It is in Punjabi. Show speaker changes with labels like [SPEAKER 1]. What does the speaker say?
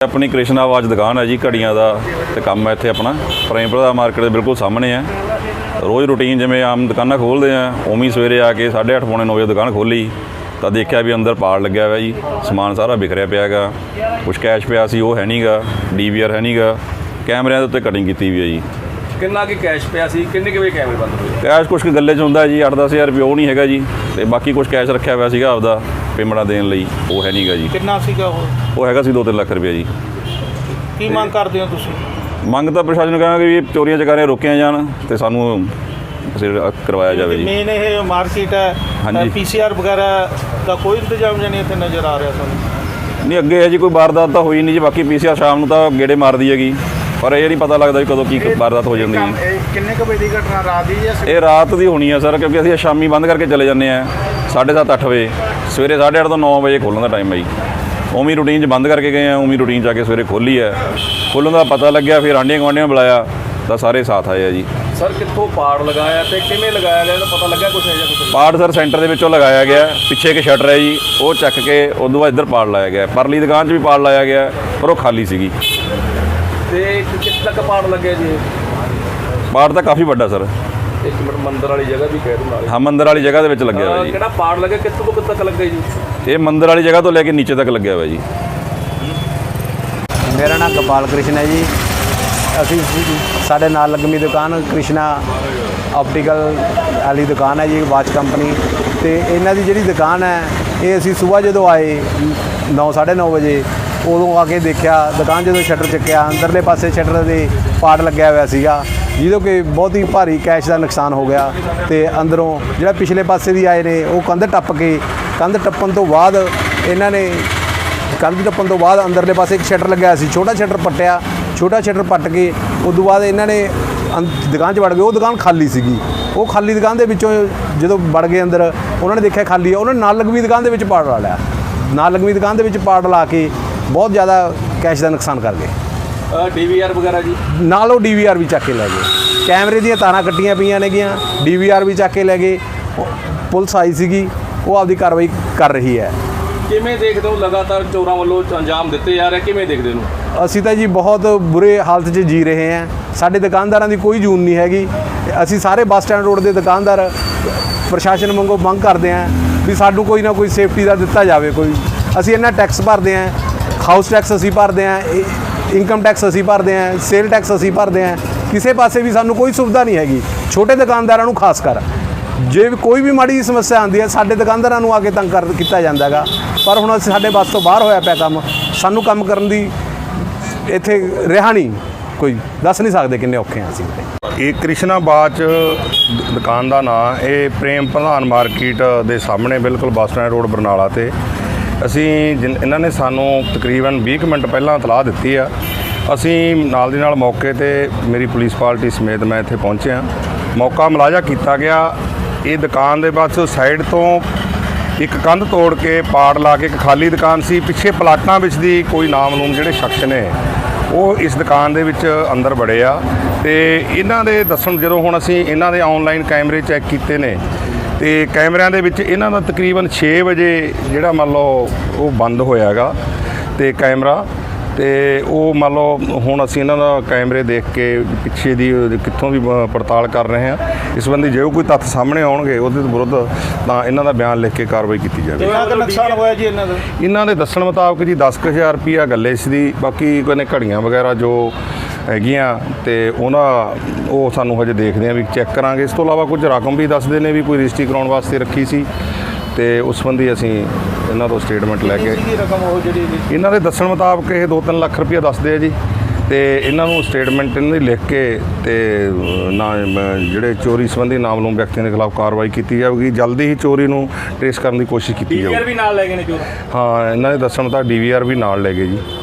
[SPEAKER 1] अपनी कृष्णा वाच दुकान है जी, घड़ियां दा ते काम है इत्थे अपना प्रेमप्रधा मार्केट के बिल्कुल सामने है। रोज़ रूटीन जिवें आम दुकानां खोलते हैं उवें सवेरे आके 8:30 पौने 9 बजे दुकान खोली तो देखा भी अंदर पाड़ लग्या हुआ जी, समान सारा बिखरिया पिया गा, कुछ कैश पिया सी वो है नहीं गा, DVR है नहीं गा, कैमरिਆਂ ਦੇ ਉੱਤੇ कटिंग की हुई है जी।
[SPEAKER 2] किन्ना की कैश पिया सी, किन्ने के कैमरे बंद हुए?
[SPEAKER 1] कैश कुछ गले च हुंदा जी 8-10 हज़ार रुपये वो नहीं हैगा जी, तो बाकी कुछ कैश रखा हुआ सीगा आपदा पेमेंटा देने लई वो है नहीं गा जी।
[SPEAKER 3] कितना सीगा
[SPEAKER 1] वो हैगा सी 2-3 ਲੱਖ रुपये जी।
[SPEAKER 3] की ਮੰਗ ਕਰਦੇ ਹੋ ਤੁਸੀਂ?
[SPEAKER 1] ਮੰਗ ਤਾਂ ਪ੍ਰਸ਼ਾਸਨ ਕਹਾਂਗੇ ਵੀ ਚੋਰੀਆਂ ਚਕਾਰੀਆਂ ਰੋਕੀਆਂ ਜਾਣ ਤੇ ਸਾਨੂੰ ਕਰਵਾਇਆ ਜਾਵੇ ਜੀ।
[SPEAKER 3] ਮੇਨ ਇਹ ਮਾਰਕੀਟ ਹੈ,
[SPEAKER 1] ਹਾਂਜੀ।
[SPEAKER 3] PCR ਵਗੈਰਾ ਦਾ ਕੋਈ ਇੰਤਜ਼ਾਮ ਨਹੀਂ ਇੱਥੇ ਨਜ਼ਰ ਆ ਰਿਹਾ ਸਾਨੂੰ।
[SPEAKER 1] ਨਹੀਂ ਅੱਗੇ ਹੈ ਜੀ ਕੋਈ ਵਾਰਦਾਤ ਤਾਂ ਹੋਈ ਨਹੀਂ ਜੀ, ਬਾਕੀ PCR ਸ਼ਾਮ ਨੂੰ ਤਾਂ ਗੇੜੇ ਮਾਰਦੀ ਹੈਗੀ, ਪਰ ਇਹ ਨਹੀਂ ਪਤਾ ਲੱਗਦਾ ਵੀ ਕਦੋਂ ਕੀ ਵਾਰਦਾਤ ਹੋ ਜਾਂਦੀ ਹੈ।
[SPEAKER 3] ਕਿੰਨੇ ਕੁ ਵਜੇ ਦੀ ਘਟਨਾ ਰਾਤ ਦੀ ਜਾਂ
[SPEAKER 1] ਇਹ ਰਾਤ ਦੀ ਹੋਣੀ ਹੈ ਸਰ, ਕਿਉਂਕਿ ਅਸੀਂ ਸ਼ਾਮੀ ਬੰਦ ਕਰਕੇ ਚਲੇ ਜਾਂਦੇ ਹਾਂ 7:30-8 ਵਜੇ, ਸਵੇਰੇ 8:30 ਤੋਂ 9 ਵਜੇ ਖੋਲ੍ਹਣ ਦਾ ਟਾਈਮ ਹੈ ਜੀ। ਉਵੇਂ ਰੂਟੀਨ 'ਚ ਬੰਦ ਕਰਕੇ ਗਏ ਆ, ਉਵੇਂ ਰੂਟੀਨ 'ਚ ਆ ਕੇ ਸਵੇਰੇ ਖੋਲ੍ਹੀ ਹੈ। ਖੋਲ੍ਹਣ ਦਾ ਪਤਾ ਲੱਗਿਆ ਫਿਰ ਆਂਢੀਆਂ ਗੁਆਂਢੀਆਂ ਬੁਲਾਇਆ ਤਾਂ ਸਾਰੇ ਸਾਥ ਆਏ ਆ ਜੀ।
[SPEAKER 2] ਸਰ ਕਿੱਥੋਂ ਪਾੜ ਲਗਾਇਆ ਤੇ ਕਿਵੇਂ ਲਗਾਇਆ ਗਿਆ, ਇਹਦਾ ਪਤਾ ਲੱਗਿਆ ਕੁਛ ਹੈ ਜਾਂ ਕੁਛ?
[SPEAKER 1] ਪਾੜ ਸਰ ਸੈਂਟਰ ਦੇ ਵਿੱਚੋਂ ਲਗਾਇਆ ਗਿਆ, ਪਿੱਛੇ ਇੱਕ ਸ਼ਟਰ ਹੈ ਜੀ ਉਹ ਚੱਕ ਕੇ ਉਦੋਂ ਬਾਅਦ ਇੱਧਰ ਪਾੜ ਲਾਇਆ ਗਿਆ। ਪਰਲੀ ਦੁਕਾਨ 'ਚ ਵੀ ਪਾੜ ਲਾਇਆ ਗਿਆ ਪਰ ਉਹ ਖਾਲੀ ਸੀਗੀ।
[SPEAKER 2] ਤੇ ਕਿੱਥੇ ਤੱਕ ਪਾੜ ਲੱਗਿਆ ਜੀ?
[SPEAKER 1] ਪਾੜ ਤਾਂ ਕਾਫੀ ਵੱਡਾ ਸਰ।
[SPEAKER 2] ਇੱਕ ਮਿੰਟ, ਮੰਦਰ ਵਾਲੀ ਜਗ੍ਹਾ ਵੀ ਕਹਿ ਦੂੰ ਨਾਲ।
[SPEAKER 1] ਹਾਂ ਮੰਦਰ ਵਾਲੀ ਜਗ੍ਹਾ ਦੇ ਵਿੱਚ ਲੱਗਿਆ ਹੋਇਆ ਜੀ।
[SPEAKER 2] ਕਿਹੜਾ ਪਾੜ ਲੱਗਿਆ, ਕਿੱਥੋਂ ਤੋਂ ਕਿੱਥੇ ਤੱਕ ਲੱਗਿਆ ਜੀ?
[SPEAKER 1] ਇਹ ਮੰਦਰ ਵਾਲੀ ਜਗ੍ਹਾ ਤੋਂ ਲੈ ਕੇ ਨੀਚੇ ਤੱਕ ਲੱਗਿਆ ਹੋਇਆ ਜੀ।
[SPEAKER 4] मेरा नाम गोपाल कृष्ण है जी। असी साढ़े नाल लगमी दुकान कृष्णा ऑप्टिकल वाली दुकान है जी, वाच कंपनी। तो इन्हों की जी दुकान है ये असी सुबह जो आए 9-9:30 बजे उदों आके देखा दुकान जो शटर चुक्या अंदरले पासे शटर के पाड़ लग्या हुआ सीगा, जिदों कि बहुत ही भारी कैश का नुकसान हो गया। तो अंदरों जो पिछले पासे भी आए ने वो कंध टप के कंध टप्पन तो बाद इन्होंने कंध टप्पन तो बाद अंदरले पासे एक शटर लग्या सी, छोटा शटर पट्टिया, छोटा शटर पट के उदों बाद इन्होंने दुकान च वड़ गए। वो दुकान खाली सीगी, वो खाली दुकान के विचों जो वड़ गए अंदर उन्होंने देखा खाली है, उन्होंने नाल लगवी दुकान के पाड़ ला लिया। नाल लगवी दुकान के पाड़ ला के बहुत ज़्यादा कैश का नुकसान कर गए।
[SPEAKER 2] DVR वगैरह जी
[SPEAKER 4] नाल वो DVR भी चक के लै गए, कैमरे ਦੀਆਂ ਤਾਰਾਂ ਕੱਟੀਆਂ ਪਈਆਂ ਨੇਗੀਆਂ, DVR भी चक के लै गए। पुलिस आई ਸੀਗੀ, वो आपकी कार्रवाई कर रही है।
[SPEAKER 2] ਕਿਵੇਂ ਦੇਖਦੇ ਹੋ ਲਗਾਤਾਰ ਚੋਰਾਂ ਵੱਲੋਂ ਅੰਜਾਮ ਦਿੱਤੇ ਜਾ ਰਹੇ, ਕਿਵੇਂ ਦੇਖਦੇ ਨੂੰ?
[SPEAKER 4] ਅਸੀਂ ਤਾਂ ਜੀ ਬਹੁਤ ਬੁਰੇ ਹਾਲਤ 'ਚ ਜੀ ਰਹੇ ਹਾਂ। ਸਾਡੇ ਦੁਕਾਨਦਾਰਾਂ ਦੀ ਕੋਈ ਜੂਨ ਨਹੀਂ ਹੈਗੀ। ਅਸੀਂ ਸਾਰੇ ਬੱਸ ਸਟੈਂਡ ਰੋਡ ਦੇ ਦੁਕਾਨਦਾਰ ਪ੍ਰਸ਼ਾਸਨ ਵਾਂਗੂ ਮੰਗ ਕਰਦੇ ਹਾਂ ਵੀ ਸਾਨੂੰ ਕੋਈ ਨਾ ਕੋਈ ਸੇਫਟੀ ਦਾ ਦਿੱਤਾ ਜਾਵੇ। ਕੋਈ ਅਸੀਂ ਇੰਨਾ ਟੈਕਸ ਭਰਦੇ ਹਾਂ, ਹਾਊਸ ਟੈਕਸ ਅਸੀਂ ਭਰਦੇ ਹਾਂ, ਇਨਕਮ ਟੈਕਸ ਅਸੀਂ ਭਰਦੇ ਹਾਂ, ਸੇਲ ਟੈਕਸ ਅਸੀਂ ਭਰਦੇ ਹਾਂ, ਕਿਸੇ ਪਾਸੇ ਵੀ ਸਾਨੂੰ ਕੋਈ ਸੁਵਿਧਾ ਨਹੀਂ ਹੈਗੀ। ਛੋਟੇ ਦੁਕਾਨਦਾਰਾਂ ਨੂੰ ਖਾਸ ਕਰ ਜੇ ਕੋਈ ਵੀ ਮਾੜੀ ਸਮੱਸਿਆ ਆਉਂਦੀ ਹੈ ਸਾਡੇ ਦੁਕਾਨਦਾਰਾਂ ਨੂੰ ਆ ਕੇ ਤੰਗ ਕੀਤਾ ਜਾਂਦਾ ਹੈਗਾ। ਪਰ ਹੁਣ ਅਸੀਂ ਸਾਡੇ ਬੱਸ ਤੋਂ ਬਾਹਰ ਹੋਇਆ ਪਿਆ ਕੰਮ, ਸਾਨੂੰ ਕੰਮ ਕਰਨ ਦੀ ਇੱਥੇ ਰਿਹਾ ਨਹੀਂ, ਕੋਈ ਦੱਸ ਨਹੀਂ ਸਕਦੇ ਕਿੰਨੇ ਔਖੇ ਹਾਂ ਅਸੀਂ।
[SPEAKER 5] ਇਹ ਕ੍ਰਿਸ਼ਨਾ ਵਾਚ ਦੁਕਾਨ ਦਾ ਨਾਂ ਇਹ ਪ੍ਰੇਮ ਪ੍ਰਧਾਨ ਮਾਰਕੀਟ ਦੇ ਸਾਹਮਣੇ ਬਿਲਕੁਲ ਬੱਸ ਸਟੈਂਡ ਰੋਡ ਬਰਨਾਲਾ ਤੇ ਅਸੀਂ ਇਹਨਾਂ ਨੇ ਸਾਨੂੰ ਤਕਰੀਬਨ 20 ਮਿੰਟ ਪਹਿਲਾਂ ਇਤਲਾਹ ਦਿੱਤੀ ਆ। ਅਸੀਂ ਨਾਲ ਦੀ ਨਾਲ ਮੌਕੇ ਤੇ ਮੇਰੀ ਪੁਲਿਸ ਪਾਰਟੀ ਸਮੇਤ ਮੈਂ ਇੱਥੇ ਪਹੁੰਚਿਆ, ਮੌਕਾ ਮੁਲਾਜ਼ਾ ਕੀਤਾ ਗਿਆ। ਇਹ ਦੁਕਾਨ ਦੇ ਬਸ ਸਾਈਡ ਤੋਂ ਇੱਕ ਕੰਧ ਤੋੜ ਕੇ ਪਾੜ ਲਾ ਕੇ ਇੱਕ ਖਾਲੀ ਦੁਕਾਨ ਸੀ, ਪਿੱਛੇ ਪਲਾਟਾਂ ਵਿੱਚ ਦੀ ਕੋਈ ਨਾਮਲੂਮ ਜਿਹੜੇ ਸ਼ਖਸ ਨੇ ਉਹ ਇਸ ਦੁਕਾਨ ਦੇ ਵਿੱਚ ਅੰਦਰ ਵੜੇ ਆ। ਤੇ ਇਹਨਾਂ ਦੇ ਦੱਸਣ ਜਦੋਂ ਹੁਣ ਅਸੀਂ ਇਹਨਾਂ ਦੇ ਆਨਲਾਈਨ ਕੈਮਰੇ ਚੈੱਕ ਕੀਤੇ ਨੇ ਤੇ ਕੈਮਰਿਆਂ ਦੇ ਵਿੱਚ ਇਹਨਾਂ ਦਾ ਤਕਰੀਬਨ 6 ਵਜੇ ਜਿਹੜਾ ਮੰਨ ਲਓ ਉਹ ਬੰਦ ਹੋਇਆ ਹੈਗਾ ਤੇ ਕੈਮਰਾ, ਤੇ ਉਹ ਮੰਨ ਲਓ ਹੁਣ ਅਸੀਂ ਇਹਨਾਂ ਦਾ ਕੈਮਰੇ ਦੇਖ ਕੇ ਪਿੱਛੇ ਦੀ ਕਿੱਥੋਂ ਵੀ ਪੜਤਾਲ ਕਰ ਰਹੇ ਹਾਂ। ਇਸ ਸੰਬੰਧੀ ਜੇ ਕੋਈ ਤੱਥ ਸਾਹਮਣੇ ਆਉਣਗੇ ਉਹਦੇ ਵਿਰੁੱਧ ਤਾਂ ਇਹਨਾਂ ਦਾ ਬਿਆਨ ਲਿਖ ਕੇ ਕਾਰਵਾਈ ਕੀਤੀ ਜਾਵੇ।
[SPEAKER 3] ਕਿੰਨਾ ਕੁ ਨੁਕਸਾਨ ਹੋਇਆ ਜੀ ਇਹਨਾਂ ਦਾ?
[SPEAKER 5] ਇਹਨਾਂ ਦੇ ਦੱਸਣ ਮੁਤਾਬਕ ਜੀ 10,000 ਰੁਪਈਆ ਗੱਲੇ ਸੀ, ਬਾਕੀ ਕੋਈ ਘੜੀਆਂ ਵਗੈਰਾ ਜੋ ਹੈਗੀਆਂ ਤੇ ਉਹ ਸਾਨੂੰ ਹਜੇ ਦੇਖਦੇ ਹਾਂ ਵੀ ਚੈੱਕ ਕਰਾਂਗੇ। ਇਸ ਤੋਂ ਇਲਾਵਾ ਕੁਝ ਰਕਮ ਵੀ ਦੱਸਦੇ ਨੇ ਵੀ ਕੋਈ ਰਜਿਸਟਰੀ ਕਰਾਉਣ ਵਾਸਤੇ ਰੱਖੀ ਸੀ ਤੇ ਉਸ ਸੰਬੰਧੀ ਅਸੀਂ ਇਹਨਾਂ ਤੋਂ ਸਟੇਟਮੈਂਟ ਲੈ ਕੇ
[SPEAKER 3] ਰਕਮ ਉਹ ਜਿਹੜੀ
[SPEAKER 5] ਇਹਨਾਂ ਦੇ ਦੱਸਣ ਮੁਤਾਬਕ ਇਹ 2-3 ਲੱਖ ਰੁਪਈਆ ਦੱਸਦੇ ਆ ਜੀ। ਤੇ ਇਹਨਾਂ ਨੂੰ ਸਟੇਟਮੈਂਟ ਇਹਨਾਂ ਦੀ ਲਿਖ ਕੇ ਤੇ ਜਿਹੜੇ ਚੋਰੀ ਸੰਬੰਧੀ ਨਾਮਲੂਮ ਵਿਅਕਤੀਆਂ ਦੇ ਖਿਲਾਫ ਕਾਰਵਾਈ ਕੀਤੀ ਜਾਵੇਗੀ। ਜਲਦੀ ਹੀ ਚੋਰੀ ਨੂੰ ਟ੍ਰੇਸ ਕਰਨ ਦੀ ਕੋਸ਼ਿਸ਼ ਕੀਤੀ ਜਾਵੇਗੀ।
[SPEAKER 2] DVR ਵੀ ਨਾਲ ਲੈ ਗਏ ਨੇ ਚੋਰ?
[SPEAKER 5] ਹਾਂ, ਇਹਨਾਂ ਦੇ ਦੱਸਣ ਮੁਤਾਬਕ DVR ਵੀ ਨਾਲ ਲੈ ਗਏ ਜੀ।